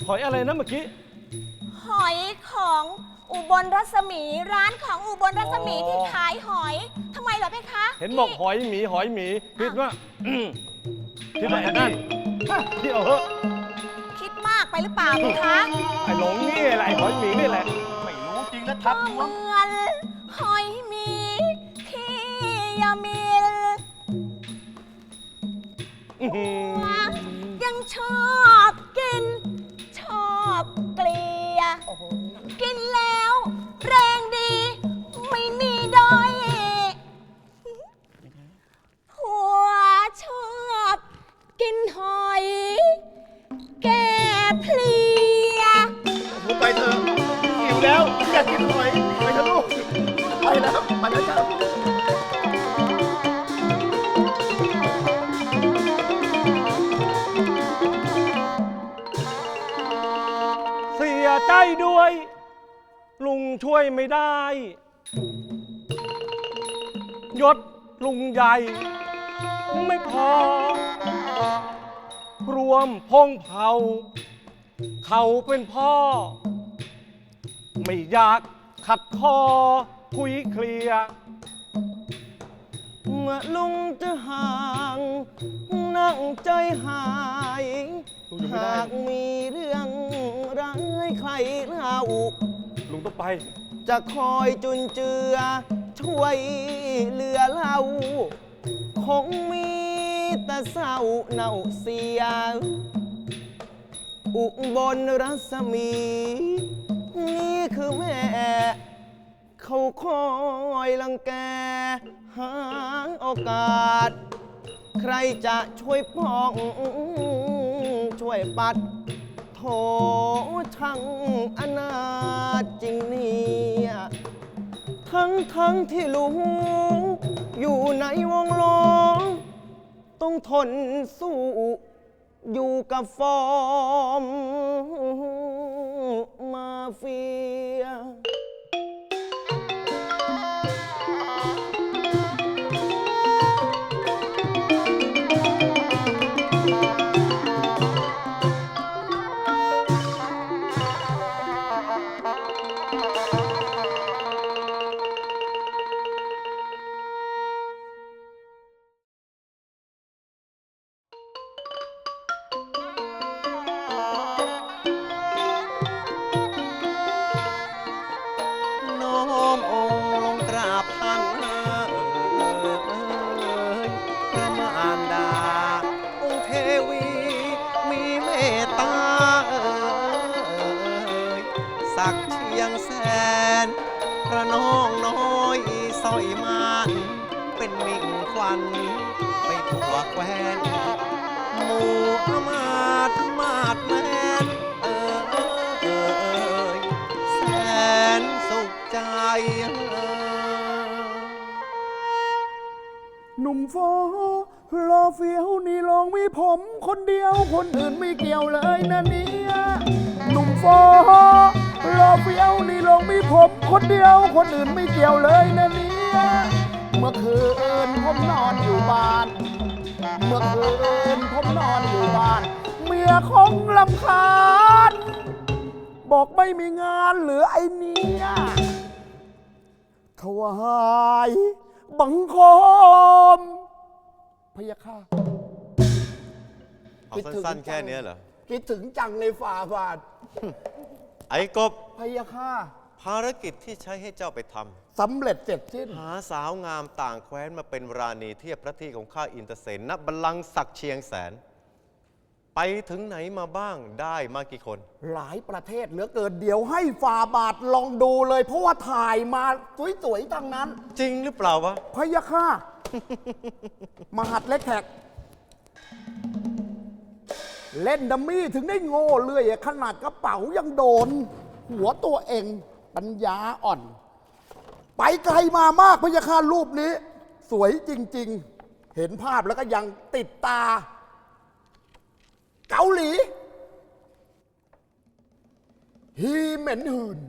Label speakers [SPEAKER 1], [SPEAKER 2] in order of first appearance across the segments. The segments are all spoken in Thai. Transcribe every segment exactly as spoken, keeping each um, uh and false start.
[SPEAKER 1] หอยอะไรนะเมื่อกี้
[SPEAKER 2] หอยของอุบลรัศมีร้านของอุบลรัศมีที่ขายหอยทำไมเหรอเพคะ
[SPEAKER 1] เห็นบอกหอยหมีหอยหมีคิดว่าคิดว่าไอ้นั่นที่เอาเหอะ
[SPEAKER 2] คิดมากไปหรือเปล่าเพคะ
[SPEAKER 1] ไอ้หลงนี่แหละไอ้หอยหมีนี่แหละ
[SPEAKER 3] ไม่รู้จริงนะทับหัว
[SPEAKER 2] เหมือนหอยหมีที่ยามียังชอบกินชอบเกลียกินแล้วแรงดีไม่มีด้อยผัวชอบกินหอยแก่เพลีย
[SPEAKER 3] พูดไปเถอะหิวแล้วอยากกินหอยไปเถอะลูกไปแล้วไปแล้วจ้า
[SPEAKER 1] เสียใจด้วยลุงช่วยไม่ได้ยศลุงใหญ่ไม่พอรวมพงเผาเขาเป็นพ่อไม่อยากขัดคอคุยเคลียร์เมื่อลุงจะห่างนั่งใจหายหากมีเรื่องร้ายใครเล่าลุงต้องไปจะคอยจุนเจือช่วยเหลือเราคงมีแต่เศร้าเน่าเสียอุบลรัศมีนี่คือแม่เขาคอยลังแกหาโอกาสใครจะช่วยป้องช่วยปัดโถช่างอนาถจริงเนี่ยทั้งทั้งที่ลุงอยู่ในวงล้อมต้องทนสู้อยู่กับฟอร์มมาเฟียสักเชียงแสนพระน้องน้อยสอยมันเป็นมิ่งควันไปทั่วแคว้นหมู่อมาตมาดแมนเออเออเออแสนสุขใจ
[SPEAKER 4] หนุ่มโฟรอเฟี้ยวนี่ลองมีผมคนเดียวคนอื่นไม่เกี่ยวเลยนะเนี่ยหนุ่มโฟรอเฟี้ยวนี่ลองมีผมคนเดียวคนอื่นไม่เกี่ยวเลยนะเนี่ยเมื่อคืนผมนอนอยู่บ้านเมื่อคืนผมนอนอยู่บ้านเมียคงรำคาญบอกไม่มีงานเหลือไอ้เนี่ยถวายบังคมพยาค่ะ
[SPEAKER 3] เอาสั้นๆแค่นี้เหรอ
[SPEAKER 4] คิดถึงจังเลยฝ่าบาท
[SPEAKER 3] ไอ้กบ
[SPEAKER 4] พยาค่ะ
[SPEAKER 3] ภารกิจที่ใช้ให้เจ้าไปท
[SPEAKER 4] ำสำเร็จเสร็จสิ้น
[SPEAKER 3] หาสาวงามต่างแคว้นมาเป็นราณีเทียบพระที่ของข้าอินทเสนณบัลลังก์ศักดิ์เชียงแสนไปถึงไหนมาบ้างได้มากี่คน
[SPEAKER 4] หลายประเทศเหลือเกินเดี๋ยวให้ฝ่าบาทลองดูเลยเพราะว่าถ่ายมาสวยๆทั้งนั้น
[SPEAKER 3] จริงหรือเปล่าวะ
[SPEAKER 4] พยาค่ะมหัดเล็กแขกเล่นดัมมี่ถึงได้โง่เลื่อยขนาดกระเป๋ายังโดนหัวตัวเองปัญญาอ่อนไปไกลมามากพยาค่ะรูปนี้สวยจริงๆเห็นภาพแล้วก็ยังติดตาเกาหลีฮีเหม็นหืน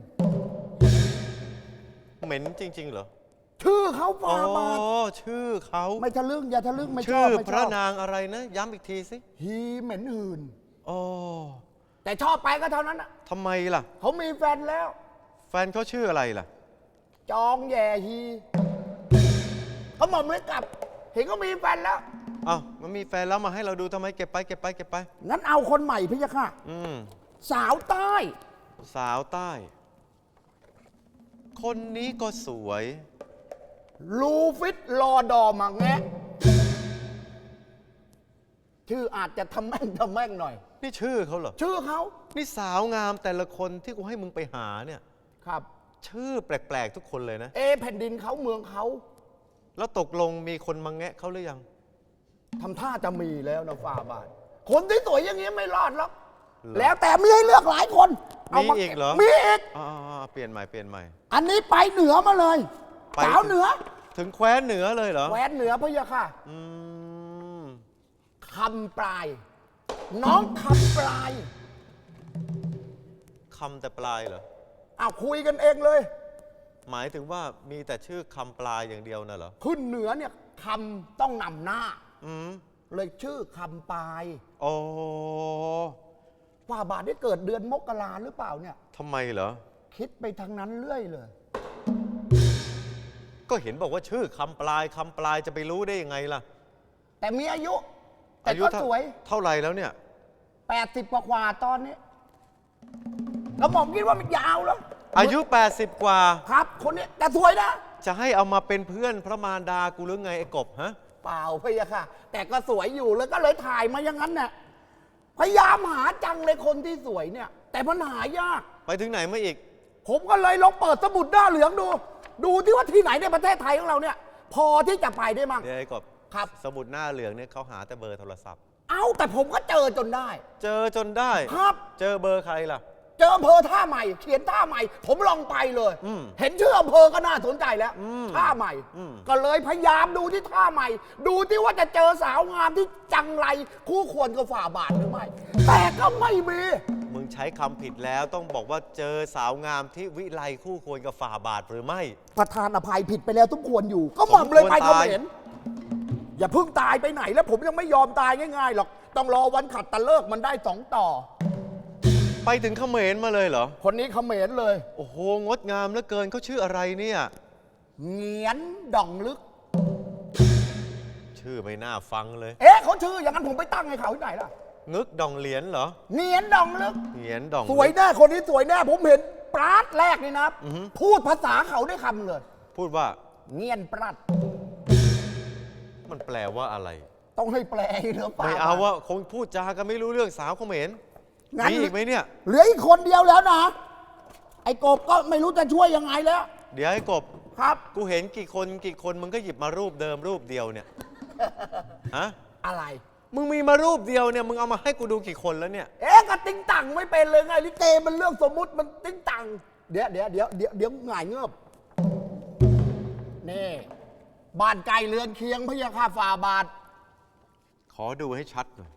[SPEAKER 3] เหม็นจริงๆเหรอ
[SPEAKER 4] ชื่อเขาฟาบาท
[SPEAKER 3] อ๋อชื่อเขา
[SPEAKER 4] ไม่ทะลึ่งอย่าทะลึ่งไม่ชอบ
[SPEAKER 3] ชื่อพระนางอะไรนะย้ำอีกทีสิ
[SPEAKER 4] ฮีเหม็นหืน
[SPEAKER 3] อ๋อ
[SPEAKER 4] แต่ชอบไปก็เท่านั้นนะ
[SPEAKER 3] ทำไมล่ะ
[SPEAKER 4] เขามีแฟนแล้ว
[SPEAKER 3] แฟนเขาชื่ออะไรล่ะ
[SPEAKER 4] จองแย่ฮีเขาหม่อมเลยกลับ เห็นเขามีแฟนแล้ว
[SPEAKER 3] เอ้ามันมีแฟนแล้วมาให้เราดูทำไมเก็บไปเก็บไปเก็บไป
[SPEAKER 4] งั้นเอาคนใหม่พี่ยะค่ะ
[SPEAKER 3] อืม
[SPEAKER 4] สาวใต้
[SPEAKER 3] สาวใต้ คนนี้ก็สวย
[SPEAKER 4] ลูฟิตรอดอมาแงะ ชื่ออาจจะทำแม่งทำแม่งหน่อย
[SPEAKER 3] นี่ชื่อเขาเหรอ
[SPEAKER 4] ชื่อเขา
[SPEAKER 3] นี่สาวงามแต่ละคนที่กูให้มึงไปหาเนี่ย
[SPEAKER 4] ครับ
[SPEAKER 3] ชื่อแปลกๆทุกคนเลยนะ
[SPEAKER 4] เอแผ่นดินเขาเมืองเขา
[SPEAKER 3] แล้วตกลงมีคนมาแงะเขาหรือยัง
[SPEAKER 4] ทำท่าจะมีแล้วนะฝ่าบาท คนที่สวยอย่างนี้ไม่รอดหรอก
[SPEAKER 3] หรอ
[SPEAKER 4] แล้วแต่มีให้เลือกหลายคน
[SPEAKER 3] มีอีกเหรอ
[SPEAKER 4] มีอีก
[SPEAKER 3] อ่าๆเปลี่ยนใหม่เปลี่ยนใหม่
[SPEAKER 4] อันนี้ไปเหนือมาเลย
[SPEAKER 3] ไป
[SPEAKER 4] สาวเหนือ
[SPEAKER 3] ถึงแคว้นเหนือเลยเหรอ
[SPEAKER 4] แหวนเหนือพะยะค่ะ
[SPEAKER 3] อืม
[SPEAKER 4] คำปลาย น้องคำปลาย
[SPEAKER 3] คำแต่ปลายเหรอ
[SPEAKER 4] อ้าวคุยกันเองเลย
[SPEAKER 3] หมายถึงว่ามีแต่ชื่อคำปลายอย่างเดียวน่ะเหรอ
[SPEAKER 4] ขึ้นเหนือเนี่ยคำต้องนำหน้า
[SPEAKER 3] อืม
[SPEAKER 4] เลยชื่อคำปลาย
[SPEAKER 3] โอ้
[SPEAKER 4] ฝ่าบาทได้เกิดเดือนมกราหรือเปล่าเนี่ย
[SPEAKER 3] ทำไมเหรอ
[SPEAKER 4] คิดไปทางนั้นเรื่อยเลย
[SPEAKER 3] ก็เห็นบอกว่าชื่อคำปลายคำปลายจะไปรู้ได้ยังไงล่ะ
[SPEAKER 4] แต่มีอายุ แต่
[SPEAKER 3] อายุ
[SPEAKER 4] ก็
[SPEAKER 3] เท่า
[SPEAKER 4] สวย
[SPEAKER 3] เท่าไหร่แล้วเนี่ย
[SPEAKER 4] แปดสิบกว่าๆตอนนี้กระหม่อมคิดว่ามันยาวแล้ว
[SPEAKER 3] อายุ แปดสิบ กว่า
[SPEAKER 4] ครับ คนนี้แต่สวยนะ
[SPEAKER 3] จะให้เอามาเป็นเพื่อนพระมารดากูหรือไงไอ้กบฮะ
[SPEAKER 4] เปล่าพะยะค่ะ แต่ก็สวยอยู่แล้วก็เลยถ่ายมาอย่างนั้นน่ะพยายามหาจังเลยคนที่สวยเนี่ย แต่มันหายาก
[SPEAKER 3] ไปถึงไหนมาอีก
[SPEAKER 4] ผมก็เลยลองเปิดสมุดหน้าเหลืองดู ดูที่ว่าที่ไหนในประเทศไทยของเราเนี่ย พอที่จะไปได้มั่ง
[SPEAKER 3] เดี๋ยวไอ้กบ
[SPEAKER 4] ครับ
[SPEAKER 3] สมุดหน้าเหลืองเนี่ยเขาหาแต่เบอร์โทรศัพท์
[SPEAKER 4] เอ้าแต่ผมก็เจอจนได้
[SPEAKER 3] เจอจนได้
[SPEAKER 4] ครับ
[SPEAKER 3] เจอเบอร์ใครล่ะ
[SPEAKER 4] เจออำเภอท่าใหม่ เขียนท่าใหม่ ผมลองไปเลย
[SPEAKER 3] อืม
[SPEAKER 4] เห็นชื่ออำเภอก็น่าสนใจแล้ว
[SPEAKER 3] อืม
[SPEAKER 4] ท่าใหม่
[SPEAKER 3] อืม
[SPEAKER 4] ก็เลยพยายามดูที่ท่าใหม่ ดูที่ว่าจะเจอสาวงามที่จังไรคู่ควรกับฝ่าบาทหรือไม่ แต่ก็ไม่มี
[SPEAKER 3] มึงใช้คำผิดแล้วต้องบอกว่าเจอสาวงามที่วิไลคู่ควรกับฝ่าบาทหรือไม่
[SPEAKER 4] ประธานอภัยผิดไปแล้วทุกควรอยู่ ก็หม่อมเลยไป
[SPEAKER 3] สมควร
[SPEAKER 4] เขา
[SPEAKER 3] ตาย
[SPEAKER 4] เห็น อย่าเพิ่งตายไปไหนแล้วผมยังไม่ยอมตายง่ายๆหรอกต้องรอวันขัดตะเลิกมันได้สองต่อ
[SPEAKER 3] ไปถึงเขมรมาเลยเหรอ
[SPEAKER 4] คนนี้เขมรเลย
[SPEAKER 3] โอ้โห งดงามเหลือเกินเขาชื่ออะไรเนี่ย
[SPEAKER 4] เงียนดองลึก
[SPEAKER 3] ชื่อไม่น่าฟังเลย
[SPEAKER 4] เอ๊ะเขาชื่ออย่างนั้นผมไปตั้งให้เขาที่ไหนล่ะ
[SPEAKER 3] งึกดองเหรียญเหรอ
[SPEAKER 4] เงียนดองลึก
[SPEAKER 3] เหรียญดอง
[SPEAKER 4] สวยแน่คนนี้สวยแน่ผมเห็นปราดแรกนี่นะ
[SPEAKER 3] อือฮึ
[SPEAKER 4] พูดภาษาเขาได้คำเลย
[SPEAKER 3] พูดว่า
[SPEAKER 4] เงียนปราด
[SPEAKER 3] มันแปลว่าอะไร
[SPEAKER 4] ต้องให้แปลเหรือเปล่า
[SPEAKER 3] ไม่เอาว่าคงพูดจากันไม่รู้เรื่องสาวเขมร
[SPEAKER 4] งั้น
[SPEAKER 3] มีอีกไหมเนี่ย
[SPEAKER 4] เหลืออีกคนเดียวแล้วนะ ไอ้กบก็ไม่รู้จะช่วยยังไงแล้ว
[SPEAKER 3] เดี๋ยวให้กบ
[SPEAKER 4] ครับ
[SPEAKER 3] กูเห็นกี่คนกี่คนมึงก็หยิบมารูปเดิมรูปเดียวเนี่ย ฮะ
[SPEAKER 4] อะไร
[SPEAKER 3] มึงมีมารูปเดียวเนี่ยมึงเอามาให้กูดูกี่คนแล้วเนี่ย
[SPEAKER 4] เอ๊ะก็ติ้งตังไม่เป็นเลยไงลิเกมันเรื่องสมมุติมันติ้งตังเดี๋ยวเดี๋ยวเดี๋ยวเดี๋ยวเดี๋ยวหง่ายเงือบนี่บ้านไกลเรือนเคียงพะยาค่าฝ่าบาท
[SPEAKER 3] ขอดูให้ชัดหน่อย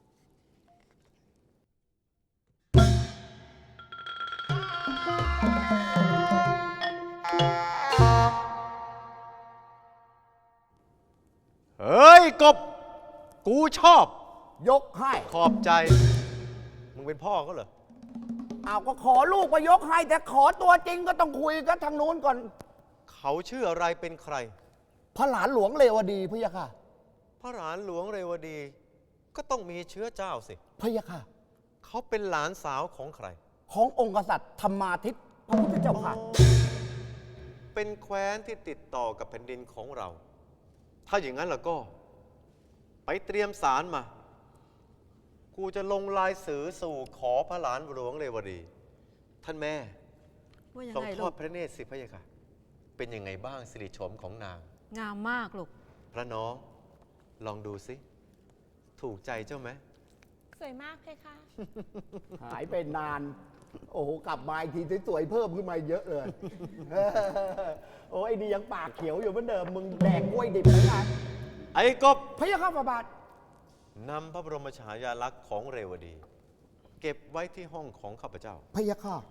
[SPEAKER 3] เฮ้ย กบ กูชอบ
[SPEAKER 4] ยกให้
[SPEAKER 3] ขอบใจ มึงเป็นพ่อเขาเหรอ
[SPEAKER 4] เอาก็ขอลูกมายกให้ แต่ขอตัวจริงก็ต้องคุยกันทางนู้นก่อน
[SPEAKER 3] เขาชื่ออะไรเป็นใคร
[SPEAKER 4] พระหลานหลวงเลวดีพะยาค่ะ
[SPEAKER 3] พระหลานหลวงเรวดี ก็ต้องมีเชื้อเจ้าสิ
[SPEAKER 4] พะยาค่ะ
[SPEAKER 3] เขาเป็นหลานสาวของใคร
[SPEAKER 4] ขององค์กษัตริย์ธรรมาทิตพระพุทธเจ้าค่ะ
[SPEAKER 3] เป็นแคว้นที่ติดต่อกับแผ่นดินของเรา ถ้าอย่างนั้นแล้วก็ ไปเตรียมสารมา กูจะลงลายสือสู่ขอพระหลานหลวงเรวดี ท่านแม่
[SPEAKER 2] ว่ายัง
[SPEAKER 3] ทรง
[SPEAKER 2] ไง
[SPEAKER 3] ท
[SPEAKER 2] ลู
[SPEAKER 3] อด
[SPEAKER 2] ก
[SPEAKER 3] พระเนตรสิพระยะค่ะ เป็นยังไงบ้างสิริโฉมของนาง
[SPEAKER 2] งามมากลูก
[SPEAKER 3] พระน้อง ลองดูสิ ถูกใจเจ้าไหม
[SPEAKER 2] สวยมากเลยค่ะ
[SPEAKER 4] หายไปนาน โอ้โห กลับมาอีกทีสวยๆเพิ่มขึ้นมาเยอะเลย โอ้ยไอ้นี่ยังปากเขียวอยู่เหมือนเดิม มึงแดกกล้วยดิบเหมือนกัน
[SPEAKER 3] ไอ้กบ
[SPEAKER 4] พะยาค่ะฝ่าบาท
[SPEAKER 3] นำพระบรมฉายาลักษณ์ของเรวดี เก็บไว้ที่ห้องของข้าพเจ้า
[SPEAKER 4] พะยาค่ะ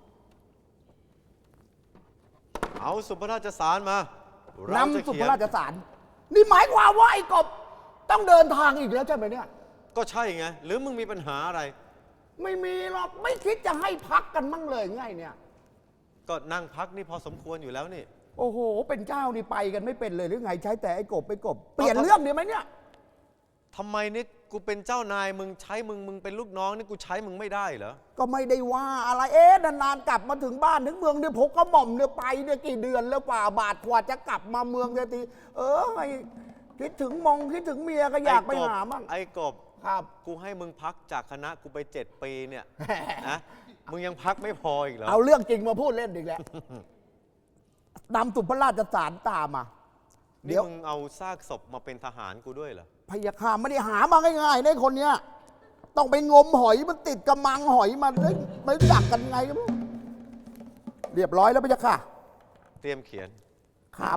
[SPEAKER 3] เอาสุพระราชสารมา เราจะ
[SPEAKER 4] นำสุ
[SPEAKER 3] เขี
[SPEAKER 4] พ
[SPEAKER 3] ย
[SPEAKER 4] ระ
[SPEAKER 3] น
[SPEAKER 4] ราชสาร นี่หมายความว่าไอ้กบต้องเดินทางอีกแล้วใช่ไหมเนี่ย
[SPEAKER 3] ก็ใช่ไง หรือมึงมีปัญหาอะไร
[SPEAKER 4] ไม่มีหรอกไม่คิดจะให้พักกันมั่งเลยไงเนี่ย
[SPEAKER 3] ก็นั่งพักนี่พอสมควรอยู่แล้วนี่
[SPEAKER 4] โอ้โห เป็นเจ้านี่ไปกันไม่เป็นเลยหรือไงใช้แต่ไอ้กบไปกบ เปลี่ยนเรื่องดีไหมเนี่ย
[SPEAKER 3] ทำไมนี่กูเป็นเจ้านายมึงใช้มึงมึงเป็นลูกน้องนี่กูใช้มึงไม่ได้เหรอ ก็
[SPEAKER 4] ก็ไม่ได้ว่าอะไรเอ๊ะนานๆกลับมาถึงบ้านถึงเมืองเนี่ยผมก็หม่อมเนี่ยไปเนี่ยกี่เดือนแล้วป่าบาทกว่าจะกลับมาเมืองทีเออไอ้คิดถึงมองคิดถึงเมียก็อยากไปหามั่ง
[SPEAKER 3] ไอ้กบ
[SPEAKER 4] ครับ
[SPEAKER 3] กูให้มึงพักจากคณะกูไปเจ็ดปีเนี่ยนะมึงยังพักไม่พออีกเหรอ
[SPEAKER 4] เอาเรื่องจริงมาพูดเล่นอีกแล้วนำสุพระราชสารตามมา เดี๋
[SPEAKER 3] นี่
[SPEAKER 4] ยว
[SPEAKER 3] มึงเอาซากศพมาเป็นทหารกูด้วยเหรอ
[SPEAKER 4] พยาคามไม่ได้หามาง่ายๆในคนเนี้ยต้องไปงมหอยมันติดกระมังหอยมันเฮ้ยไม่รู้จักกันไงก็ไม่รู้เรียบร้อยแล้วพยาค่ะ
[SPEAKER 3] เตรียมเขียน
[SPEAKER 4] ครับ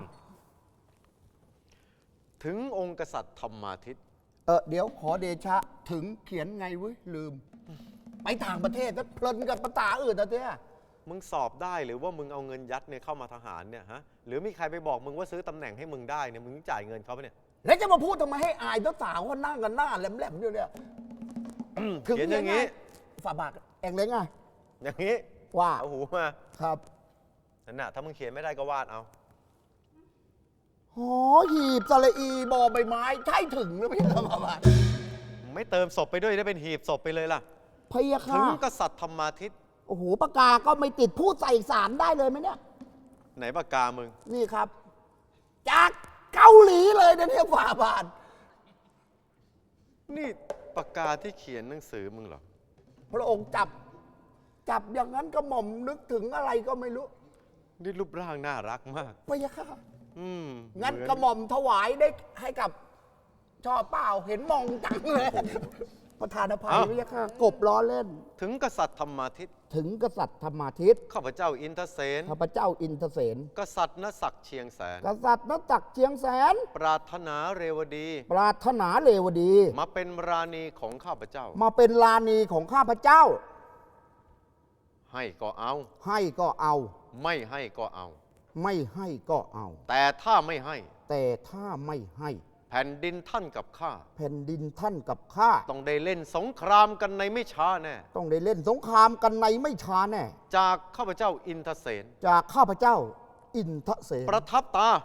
[SPEAKER 3] ถึงองค์กษัตริย์ธรรมาทิตย์
[SPEAKER 4] เออเดี๋ยวขอเดชะถึงเขียนไงเว้ยลืม ไปต่างประเทศก็เพลินกับภาษาอื่นนะเจ้า
[SPEAKER 3] มึงสอบได้หรือว่ามึงเอาเงินยัดเนี่ยเข้ามาทหารเนี่ยฮะหรือมีใครไปบอกมึงว่าซื้อตำแหน่งให้มึงได้เนี่ยมึงจ่ายเงินเขาปะเนี่ย
[SPEAKER 4] แล้วจะมาพูดทำไมให้อายสาวๆเขานั่งกันหน้าแหลมๆอยู่เนี่ย
[SPEAKER 3] เขียนอย่างนี้
[SPEAKER 4] ฝ่าบาทเองเลยไง
[SPEAKER 3] อย่างนี้
[SPEAKER 4] ว่า
[SPEAKER 3] เอาหูมา
[SPEAKER 4] ครับ
[SPEAKER 3] นั่นน่ะถ้ามึงเขียนไม่ได้ก็วาดเอา
[SPEAKER 4] หอหีบสระอีบอใบไม้ใช่ถึงหรือไม่ใช่ฝ่าบาท
[SPEAKER 3] มึงไม่เติมศพไปด้วยได้เป็นหีบศพไปเลยล่ะ
[SPEAKER 4] พยา
[SPEAKER 3] ถึ
[SPEAKER 4] ค่ะ
[SPEAKER 3] งกษัตริย์ธรรมาทิตย์
[SPEAKER 4] โอ้โหปากกาก็ไม่ติดพูดใส่สารได้เลยไหมเนี่ย
[SPEAKER 3] ไหนปากกามึง
[SPEAKER 4] นี่ครับ จากเกาหลีเลยนะเนี่ยฝ่าบาท
[SPEAKER 3] นี่ปากกาที่เขียนหนังสือมึงเหรอ
[SPEAKER 4] พระองค์จับ จับอย่างนั้นก็หม่อมนึกถึงอะไรก็ไม่รู้
[SPEAKER 3] นี่รูปร่างน่ารักมาก
[SPEAKER 4] พยาค่ะ
[SPEAKER 3] อืม
[SPEAKER 4] งั้น
[SPEAKER 3] เหมือก
[SPEAKER 4] ระหม่อมถวายได้ให้กับ ชอบเปล่าเห็นมองจังเลย ประธานอภัยพยาค่ะ กบล้อเล่น
[SPEAKER 3] ถึงกษัตริย์ธรรมาทิตย์
[SPEAKER 4] ถึงกษัตริย์ธรรมาทิตย์
[SPEAKER 3] ข้าพเจ้าอินทเสน
[SPEAKER 4] ข้าพเจ้าอินทเสน
[SPEAKER 3] กษัตริย์นศักดิ์เชียงแสน
[SPEAKER 4] กษัตริย์นจักรเชียงแสน
[SPEAKER 3] ปรารถนาเรวดี
[SPEAKER 4] ปรารถนาเลวดี
[SPEAKER 3] มาเป็นราณีของข้าพเจ้า
[SPEAKER 4] มาเป็นลานีของข้าพเจ้า
[SPEAKER 3] ให้ก็เอา
[SPEAKER 4] ให้ก็เอา
[SPEAKER 3] ไม่ให้ก็เอา
[SPEAKER 4] ไม่ให้ก็เอา
[SPEAKER 3] แต่ถ้าไม่ให้
[SPEAKER 4] แต่ถ้าไม่ให้
[SPEAKER 3] แผ่นดินท่านกับข้า
[SPEAKER 4] แผ่นดินท่านกับข้า
[SPEAKER 3] ต้องได้เล่นสงครามกันในไม่ช้าแน่
[SPEAKER 4] ต้องได้เล่นสงครามกันในไม่ช้าแน่
[SPEAKER 3] จากข้าพเจ้าอินทเสน
[SPEAKER 4] จากข้าพเจ้า อินทเสน
[SPEAKER 3] ประทับตา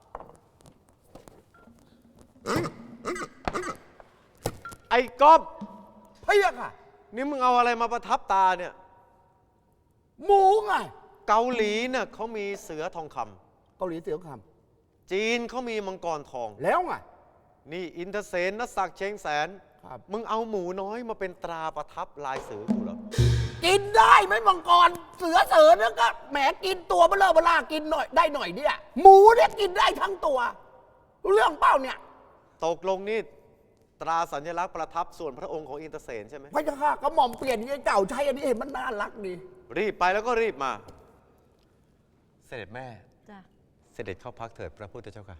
[SPEAKER 3] ไอ้กอบ
[SPEAKER 4] เพียกค่ะ
[SPEAKER 3] นี่มึงเอาอะไรมาประทับตาเนี่ย
[SPEAKER 4] หมูไง
[SPEAKER 3] เกาหลีเนี่ยเขามีเสือทองคำ
[SPEAKER 4] เกาหลีเสียวค
[SPEAKER 3] จีนเขามีมังกรทอง
[SPEAKER 4] ำแล้วไง
[SPEAKER 3] นี่อินทเสนนศักดิ์เชียงแสน
[SPEAKER 4] ครับ
[SPEAKER 3] มึงเอาหมูน้อยมาเป็นตราประทับลายเสือกูเหรอ
[SPEAKER 4] กินได้ไหมมังกรเสือเสือเนี่ยก็แหมกินตัวเบลอเบล่ากินหน่อยได้หน่อยเนี่ยหมูเนี่ยกินได้ทั้งตัวรู้เรื่องเปล่าเนี่ย
[SPEAKER 3] ตกลงนี่ตราสัญลักษณ์ประทับส่วนพระองค์ของอินทเสนใช่ไหม
[SPEAKER 4] พระเจ้าค่ะก็หม่อมเปลี่ยนไอ้เก่าใช้อันนี้เห็นมันน่ารักดี
[SPEAKER 3] รีบไปแล้วก็รีบมา เสด็จแม่
[SPEAKER 2] จ้ะ
[SPEAKER 3] เสด็จเข้าพักเถิดพระพุทธเจ้าค่ะ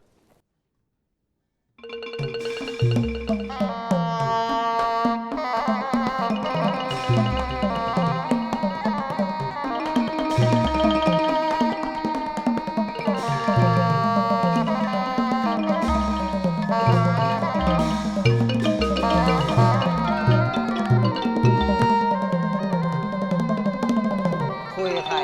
[SPEAKER 1] คุยกับใคร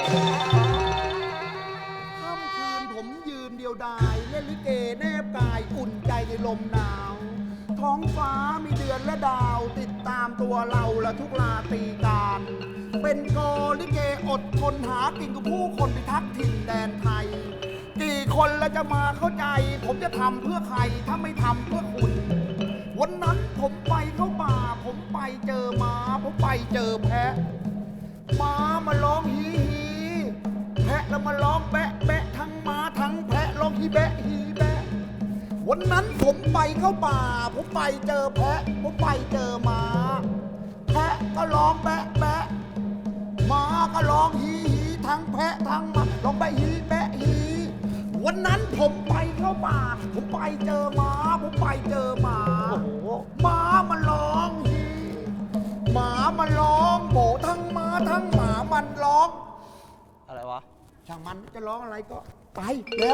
[SPEAKER 4] ค่ำคืนผมยืนเดียวดายเล่นลิเกแนบกายอุ่นใจในลมหนาว ท้องฟ้ามีเดือนและดาว ติดตามตัวเราและทุกราตรีการ เป็นกอลิเกอดทนหากินกับผู้คนพิทักษ์ถิ่นแดนไทย กี่คนแล้วจะมาเข้าใจ ผมจะทำเพื่อใครถ้าไม่ทำเพื่อคุณ วันนั้นผมไปเข้าป่า ผมไปเจอม้าผมไปเจอแพะ ม้ามาร้องฮีฮีแพะแล้วมาร้องแบะแบะทั้งม้าทั้งแพะร้องฮีแบะฮีแบะ วันนั้นผมไปเข้าป่า ผมไปเจอแพะ ผมไปเจอม้าแพะก็ร้องแบะแบะม้าก็ร้องฮีฮีทั้งแพะทั้งม้าร้องแบะฮีแบะฮีวันนั้นผมไปเข้าป่า ผมไปเจอม้า ผมไปเจอม้าม้ามันร้องฮี หมามันร้องโบทั้งหมาทั้งหมามันร้อง
[SPEAKER 1] อะไรวะ
[SPEAKER 4] ช่างมันจะร้องอะไรก็ไปแล้ว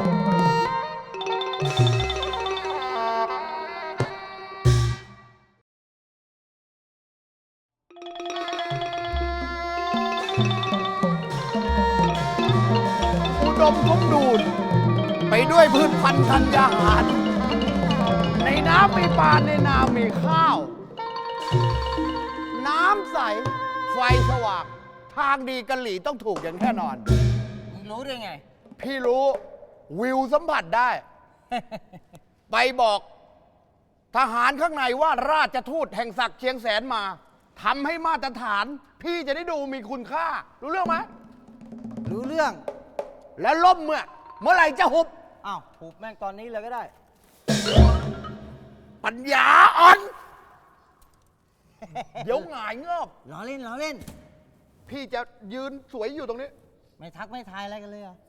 [SPEAKER 3] เ
[SPEAKER 4] อุดมสมบูรณ์ไปด้วยพืชพันธุ์ธัญญาหาร ในน้ำมีปลาในนามีข้าว น้ำใส ไฟสว่าง ทางดีกะหลี่ต้องถูกอย่างแน่นอน
[SPEAKER 2] มึงรู้ได้ไง
[SPEAKER 4] พี่รู้วิวสัมผัสได้ ไปบอกทหารข้างในว่าราชทูตแห่งศักดิ์เชียงแสนมาทำให้มาตรฐาน พี่จะได้ดูมีคุณค่า รู้เรื่องไหม
[SPEAKER 5] รู้เรื่อง
[SPEAKER 4] แล้วล่มเมื่อ เมื่อไหร่จะหุบ
[SPEAKER 5] อ้าวผูกแม่งตอนนี้เลยก็ได้
[SPEAKER 4] ปัญญาอ่อน เดี๋ยวหงายเงอบ
[SPEAKER 5] ล้อเล่นล้อเล่น
[SPEAKER 4] พี่จะยืนสวยอยู่ตรงนี้
[SPEAKER 5] ไม่ทักไม่ทายอะไรกันเลยเหรอ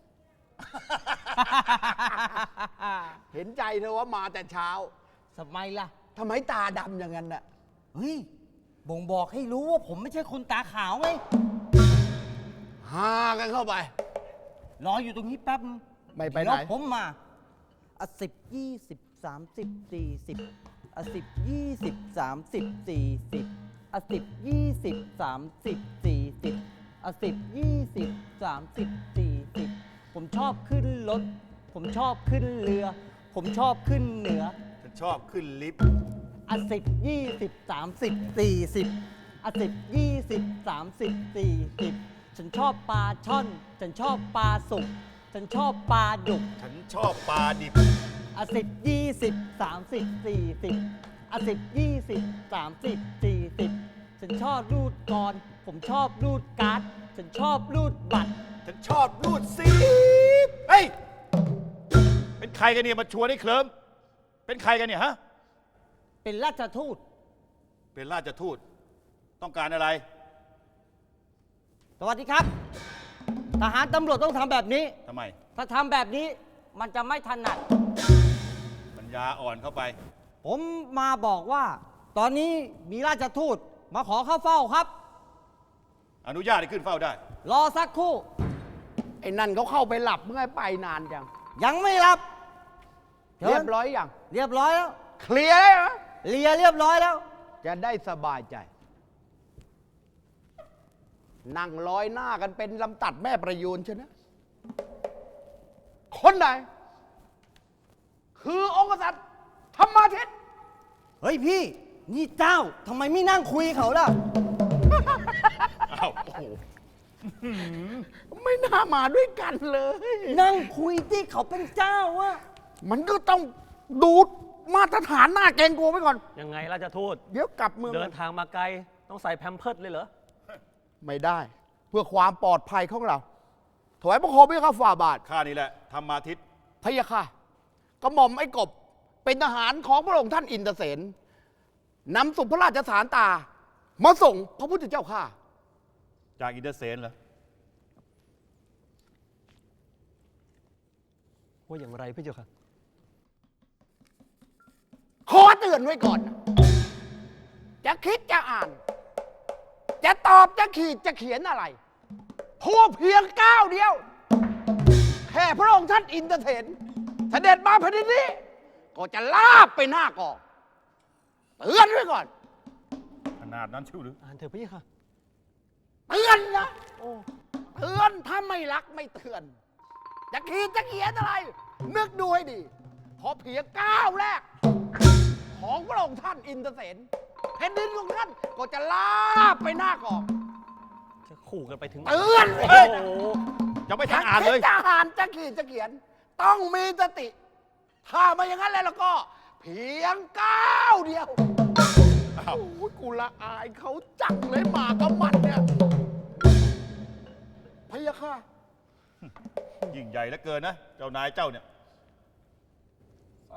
[SPEAKER 4] เห็นใจเธอว่ามาแต่เช้า
[SPEAKER 5] สมัยล่ะ
[SPEAKER 4] ทำไมตาดำอย่างนั้นน่ะ
[SPEAKER 5] เฮ้ย บ่งบอกให้รู้ว่าผมไม่ใช่คนตาขาวไง
[SPEAKER 4] หากันเข้าไป
[SPEAKER 5] รออยู่ตรงนี้แป๊บนึง
[SPEAKER 4] ไม่ไปไหน
[SPEAKER 5] เดี๋ยวผมมาอ่ะสิบยี่สิบสามสิบสี่สิบอ่ะสิบยี่สิบสามสิบสี่สิบอ่ะสิบยี่สิบสามสิบสี่สิบอ่ะสิบยี่สิบสามสิบสี่สิบผมชอบขึ้นรถ ผมชอบขึ้นเรือ ผมชอบขึ้นเหนือ
[SPEAKER 3] ฉันชอบขึ้นลิฟต์
[SPEAKER 5] อ่ะสิบยี่สิบสามสิบสี่สิบอ่ะสิบยี่สิบสามสิบสี่สิบฉันชอบปลาช่อน ฉันชอบปลาสุก ฉันชอบปลาดุก
[SPEAKER 3] ฉันชอบปลาดิบ
[SPEAKER 5] อ่ะสิบยี่สิบสามสิบสี่สิบอ่ะสิบยี่สิบสามสิบสี่สิบฉันชอบรูดกร ผมชอบรูดการ์ด ฉันชอบรูดบัตร
[SPEAKER 3] ฉันชอบรูดซีบเฮ้ย เป็นใครกันเนี่ยมาชวนให้เคลิ้มเป็นใครกันเนี่ยฮะ
[SPEAKER 5] เป็นราชทูต
[SPEAKER 3] เป็นราชทูต ต้องการอะไร
[SPEAKER 5] สวัสดีครับ ทหารตำรวจต้องทำแบบนี้
[SPEAKER 3] ทำไม
[SPEAKER 5] ถ้าทำแบบนี้มันจะไม่ถนัด
[SPEAKER 3] ปัญญาอ่อนเข้าไป
[SPEAKER 5] ผมมาบอกว่า ตอนนี้มีราชทูตมาขอเข้าเฝ้าครับ
[SPEAKER 3] อนุญาตให้ขึ้นเฝ้าได้
[SPEAKER 5] รอสักครู่
[SPEAKER 4] ไอ้นั่นเขาเข้าไปหลับเมื่อไงไปนานจัง
[SPEAKER 5] ยังไม่รับชิญ
[SPEAKER 4] เรียบร้อยยัง
[SPEAKER 5] เรียบร้อยแล้ว
[SPEAKER 4] เคลียร์เลยเหรอ
[SPEAKER 5] เลียเรียบร้อยแล้ว
[SPEAKER 4] จะได้สบายใจ นั่งร้อยหน้ากันเป็นลำตัดแม่ประยูนใช่ไหมคนไหน คือองค์กษัตริย์ธรรมาทิตย์
[SPEAKER 5] เฮ้ยพี่ นี่เจ้าทำไมไม่นั่งคุยเขาล่ะ
[SPEAKER 3] อ้าว โอ้โห
[SPEAKER 4] ไม่น่ามาด้วยกันเลย
[SPEAKER 5] นั่งคุยที่เขาเป็นเจ้าอะ
[SPEAKER 4] มันก็ต้องดูมาตรฐานหน้าเกรงกลัวไว้ก่อน
[SPEAKER 6] ยังไงราชทูต
[SPEAKER 4] เดี๋ยวกลับเมือง
[SPEAKER 6] เดินทางมาไกล ต้องใส่แพมเพิร์ดเลยเหรอ
[SPEAKER 4] ไม่ได้ เพื่อความปลอดภัยของเรา ถวายพระโคมพระยาค่ะฝ่าบาท
[SPEAKER 3] ข้านี่แหละธรรมาทิตย์
[SPEAKER 4] พระยาค่ะกระหม่อมไอ้กบ เป็นทหารของพระองค์ท่านอินเตอร์เสนนำสุพระราชสารตา มาส่งพระพุทธเจ้าข้า
[SPEAKER 3] จากอินเตอร์เซนเหรอ
[SPEAKER 6] ว่าอย่างไรพี่เจ้าค่ะ
[SPEAKER 4] ขอเตือนไว้ก่อนนะจะคิดจะอ่าน จะตอบจะขีดจะเขียนอะไรพูดเพียงก้าวเดียว แค่พระองค์ท่านอินเตอร์เทนเสด็จมาแผ่นดินนี้ ก็จะลาบไปหน้ากองเตือนไว้ก่อน
[SPEAKER 3] ขนาดนั้นชิวหรือ
[SPEAKER 6] อ่านเถอะพี่ค่ะ
[SPEAKER 4] เตือนนะเตือนถ้าไม่รักไม่เตือน จะขีดจะเขียนอะไร นึกดูให้ดีพอเพียงก้าวแรก ของพระองค์ท่านอินเตอร์เสนแผ่นดินของท่านก็จะลาบไปหน้ากอง
[SPEAKER 6] จะขู่กันไปถึง
[SPEAKER 4] เตือน
[SPEAKER 6] โอ้
[SPEAKER 4] เลย
[SPEAKER 6] โห
[SPEAKER 3] จะไม่ทันอ่านเลย
[SPEAKER 4] จะอ่านจะขีดจะเขียน ต้องมีสติ ถ้าไม่อย่างนั้นแล้วก็ เพียงก้าวเดียว
[SPEAKER 3] อ้าว
[SPEAKER 4] โอ้ยกูละอายเขาจังเลยหมากับมันเนี่ยพะยะค่ะ
[SPEAKER 3] ยิ่งใหญ่เหลือเกินนะ เจ้านายเจ้าเนี่ย
[SPEAKER 6] ว่า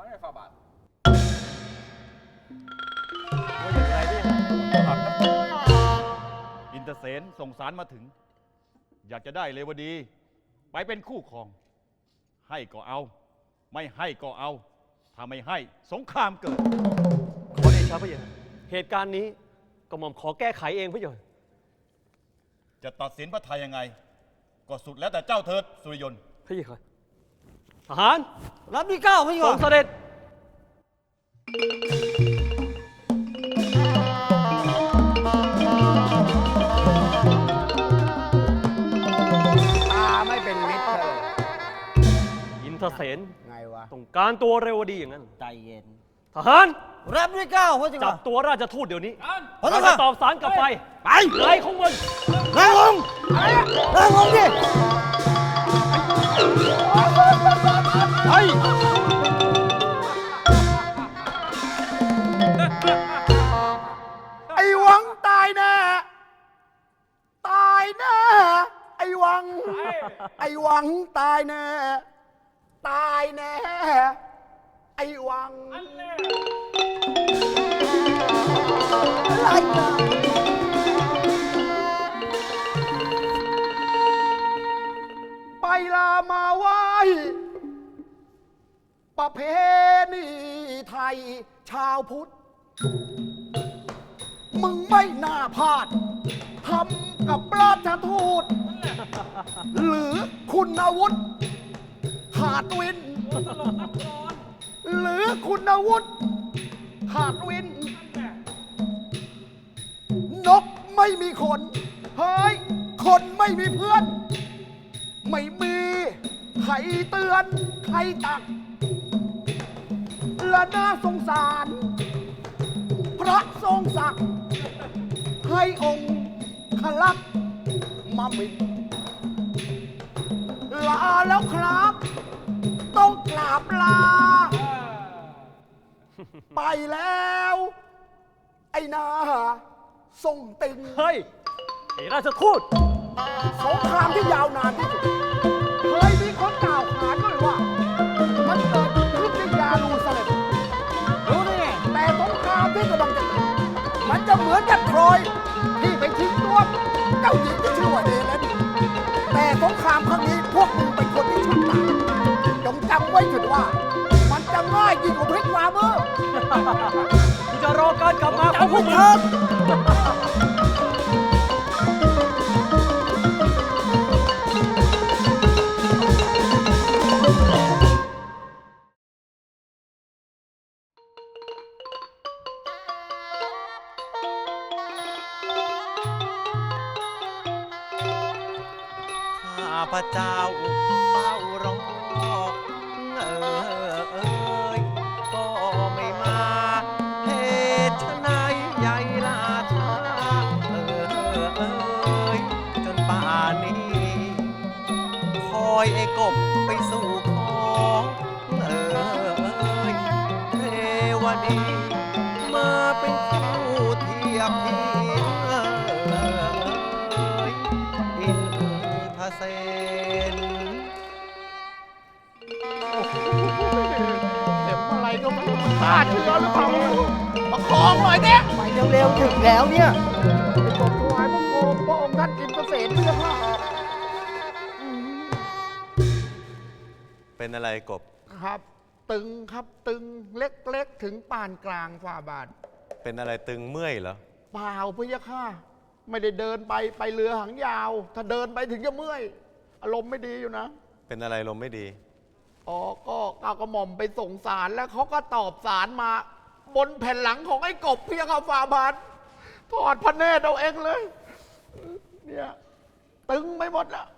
[SPEAKER 6] อย่างไรพี่ค่ะ
[SPEAKER 3] อินเตอร์เซนส่งสารมาถึง อยากจะได้เลวดี ไปเป็นคู่ครอง ให้ก็เอา ไม่ให้ก็เอา ถ้าไม่ให้สงครามเกิด
[SPEAKER 6] ขอเดชะพี่ค่ะเหตุการณ์นี้กระหม่อมขอแก้ไขเองพี่เจ้าค่ะ
[SPEAKER 3] จะตัดสินพระไทยยังไง ก็สุดแล้วแต่เจ้าเถิดสุริยนต์
[SPEAKER 6] พี่ค่ะทหาร
[SPEAKER 5] รับที่เก้าพี่
[SPEAKER 6] ท
[SPEAKER 5] ก่
[SPEAKER 6] ร
[SPEAKER 5] อง น
[SPEAKER 6] เสด็จเสน
[SPEAKER 4] ไงวะ
[SPEAKER 6] ต้องการตัวเร็วดีอย่างนั้น
[SPEAKER 5] ใจเย็น
[SPEAKER 6] ทหาร
[SPEAKER 5] รับด้วยเกล้าพระเจ้า
[SPEAKER 6] จับ
[SPEAKER 5] ค่ะ
[SPEAKER 6] ตัวราชทูตเดี๋ยวนี้
[SPEAKER 5] พระ
[SPEAKER 6] เรา
[SPEAKER 5] เจ้า
[SPEAKER 6] จะ
[SPEAKER 5] ค่ะ
[SPEAKER 6] ตอบสารกลับไป
[SPEAKER 5] ไป
[SPEAKER 6] ไรของมึง
[SPEAKER 5] นั่งลงนั่งลงดิ
[SPEAKER 6] เฮ้ย
[SPEAKER 4] ไอ้หวังตายแน่ ตายแน่ ไอ้หวัง ไอ้หวังตายแน่ ตายแน่ ไอ้หวังอะไรนะไปลามาไหว้ประเพณีไทยชาวพุทธ มึงไม่น่าพลาดทำกับราชทูต หรือคุณวุฒิหาดวิน หรือคุณวุฒิหาดวิน นกไม่มีขน เฮ้ย คนไม่มีเพื่อน ไม่มีใครเตือนใครตัก และน่าสงสาร พระทรงศักดิ์ให้องค์ขลักษณ์มามินลาแล้วครับ ต้องกราบลา ไปแล้ว ไอ้นาทรงติง
[SPEAKER 6] เฮ้ยไอ้ราชทูต
[SPEAKER 4] สงครามที่ยาวนานที่สุดเคยมีคนกล่าวขานด้วยว่า มันเกิดขึ้นที่ยาลูซาเล็ม
[SPEAKER 5] รู้ได้ไง
[SPEAKER 4] แต่สงครามที่กำลังจะเกิดมันจะเหมือนกับโทรอยที่ไปทิ้งตัวเจ้าหญิงที่ชื่อว่าเฮเลนแต่สงครามครั้งนี้พวกมึงเป็นคนที่ฉลาดจงจำไว้เถิดว่า มันจะง่ายยิ่งกว่าพลิกฝ่ามือ
[SPEAKER 6] กูจะรอการกลับมาของพวกมึง
[SPEAKER 3] ข้าพเจ้าเฝ้ารอเออเอยก็ไม่มาเหตุไฉนใหญ่ลาช้าเออเอยจนป่านนี้ คอยไอ้กบไปสู่ขอเออเอยเทวดี มาเป็นคู่เทียบเทียงเออเอยอินทเสน
[SPEAKER 4] เข็มอะไรก็ไม่รู้ขาดเชื้อหรือเปล่าประคองหน่อยเนี่ย
[SPEAKER 1] ไปเร็วๆถึงแล้วเนี่ย
[SPEAKER 4] ไปกดถวายพระโคมพระองค์ท่านอินทเสนเพื่อว่า
[SPEAKER 3] เป็นอะไรกบ
[SPEAKER 4] ครับ ตึงครับตึงเล็กๆถึงปานกลางฝ่าบาท
[SPEAKER 3] เป็นอะไรตึงเมื่อยเหรอ
[SPEAKER 4] เปล่าพะยะค่ะ ไม่ได้เดินไปไปเรือหางยาว ถ้าเดินไปถึงจะเมื่อย อารมณ์ไม่ดีอยู่นะ
[SPEAKER 3] เป็นอะไรลมไม่ดี
[SPEAKER 4] อ๋อก็ก้าวกระหม่อมไปส่งสารแล้วเขาก็ตอบสารมา บนแผ่นหลังของไอ้กบเพียงค่ะฝ่าบาทถอดพระเนตรเอาเองเลย เนี่ย ตึงไปหมดละ